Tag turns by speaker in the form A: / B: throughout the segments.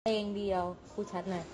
A: เพลงเดียวพูดชัดหน่อย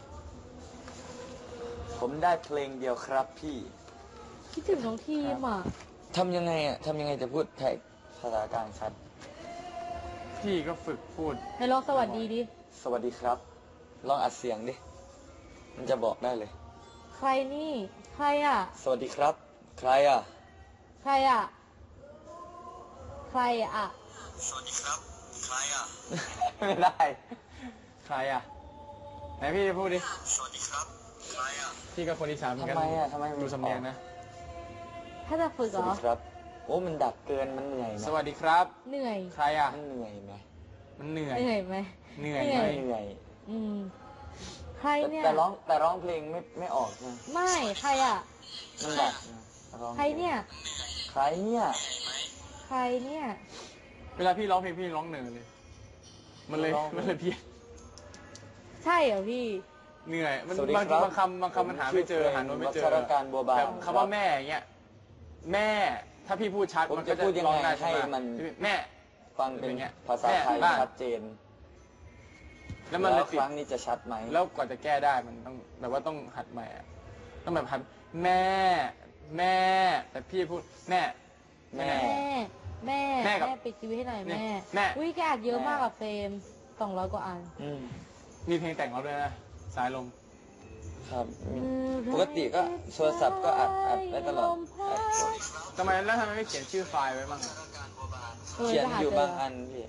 B: ผมได้เพลงเดียวครับพี่
A: คิดถึงน้องทีมอ่ะ
B: ทำยังไงจะพูดไทยภาษากลางชัด
C: พี่ก็ฝึกพูด
A: ให้ลองสวัสดีดิ
B: สวัสดีครับ ลองอัดเสียงดิ มันจะบอกได้เลย
A: ใครนี่ใครอ่ะ
B: สวัสดีครับ ใครอ่ะ
A: ใครอ่ะใครอ่ะ
B: สวัสดีครับ ใครอ่ะ ไม่ได้
C: ใครอ่ะไหนพี่พูดดิ
B: สวัสดีครับ ใครอ่ะ
C: พี่ก็คนอีสานเหมือนกัน
B: ทำไม
C: ดูสำเนียงนะ
A: ถ้าจะฝึก
B: ส
A: เหร
B: วัส
A: อ
B: ดีครับ โอ้มันดักเกินมันเหนื่อยไหม
C: สวัสดีครับ
A: เหนื่อย
C: ใครอ่ะ
B: มันเหนื่อยไหม
C: มันเหนื่อย
A: เหนื่อยไหม
C: เหนื่อย
A: เห
C: ไห
A: นื่
C: ม
A: อย
B: เหนื่อย
A: ใครเนี่ย
B: แต่ร้องเพลงไม่ออกนะ
A: ไม่ใครอ่ะ
B: มันดักนะร้อง
A: ใครเนี่ย
B: ใครเนี่ย
A: ใครเนี่ย
C: เวลาพี่ร้องเพลงพี่ร้องเหนื่อยเลย มันเลยเพี้ยน
A: ใช่เหรอพี่
C: เหนื่อยมัน
B: สวัสดี
C: บาง
B: ครับ
C: บางคำมันหาไม่เจอหาโน้ตไม่เจอ
B: วัชรการบัวบาน
C: แบบคำว่าแม่อย่างเงี้ยแม่ถ้าพี่พูดชัด
B: ผม
C: มัน
B: จะ
C: ก็จะ
B: พูดยัง
C: ร้อง
B: ไง
C: ได้
B: ให้
C: ใช่ไหม
B: มัน
C: แม่
B: ฟังเป็น
C: อย่างเงี้ย
B: ภาษาไทย
C: แม่บ้าน
B: ชัดเจน
C: แล้วมันเลย
B: ค
C: ติด
B: รั้งนี้จะชัดไหม
C: แล้วกว่าจะแก้ได้มันต้องแบบว่าต้องหัดใหม่อะต้องแบบหัดแม่ แต่พี่พูดแม่
B: แม่
A: แม่
C: แม่กับ
A: แม่ปิดชีวิตให้หน่อย
C: เนี่ย
A: แม่
C: แม่
A: อุ้ยแกอัดเยอะมากอะเฟรม200 กว่าอัน
B: อืม
C: มีเพลงแต่งเราด้วยนะสายลม
B: ครับปกติก็โทรศัพท์ก็อัดได้ตลอดอัด
C: ทำไมไม่เขียนชื่อไฟล์ไว้บ้างอะ
B: เขียนอยู่บางอันพี่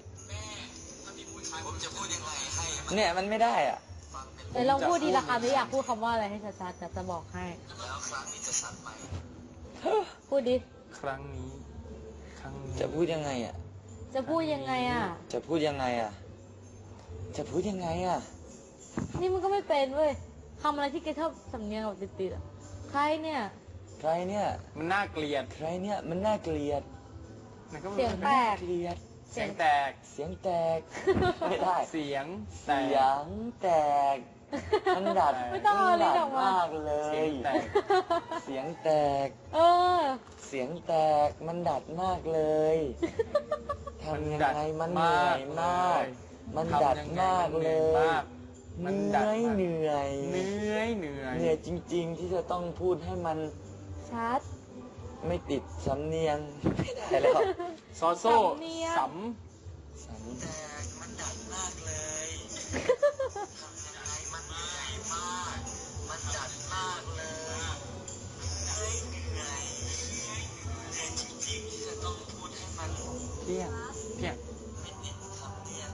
B: เนี่ยมันไม่ได้อ่ะ
A: เดี๋ยวลองพูดดีละคำที่อยากพูดคำว่าอะไรให้ชัดๆจะบอกให้พูดดิ
C: ครั้งนี้
B: จะพูดยังไงอ่ะ
A: จะพูดยังไงอ่ะ
B: จะพูดยังไงอ่ะ จะพูดยังไงอ่ะ
A: นี่มันก็ไม่เป็นเว้ยคำอะไรที่แกชอบสำเนียงแบบติดๆอ่ะใครเนี่ย
B: ใครเนี่ย
C: มันน่าเกลียด
B: ใครเนี่ยมันน่าเกลียด
C: มันก็
A: เสียงแตก
B: เกลียด
C: เสียงแตก
B: เสียงแตก ไม่ได้
C: เสียงแต
B: เสีย
C: ก
B: งแตก มันดัด
A: ไม่ต้องเอาลิ้นออกมา
B: มากเล
C: เสีย
B: ย
C: งแตก
B: เสียงแตก
A: เออ
B: เสียงแตก มันดัดมากเลย ทำยังไงมันเห
C: มาก
B: นื่อยมาก มันดัดมากเลย
C: มัน
B: เห
C: ดัด
B: นื่อย
C: มาก
B: เหนื่อย
C: เหนื่อย
B: เหนื่อยจริง ๆ ที่จะต้องพูดให้มัน
A: ชัด
B: ไม่ติดสำเนียง ไม่ได้แล้ว
C: ซอโซ่
A: สำเนียง
C: ส
B: สำ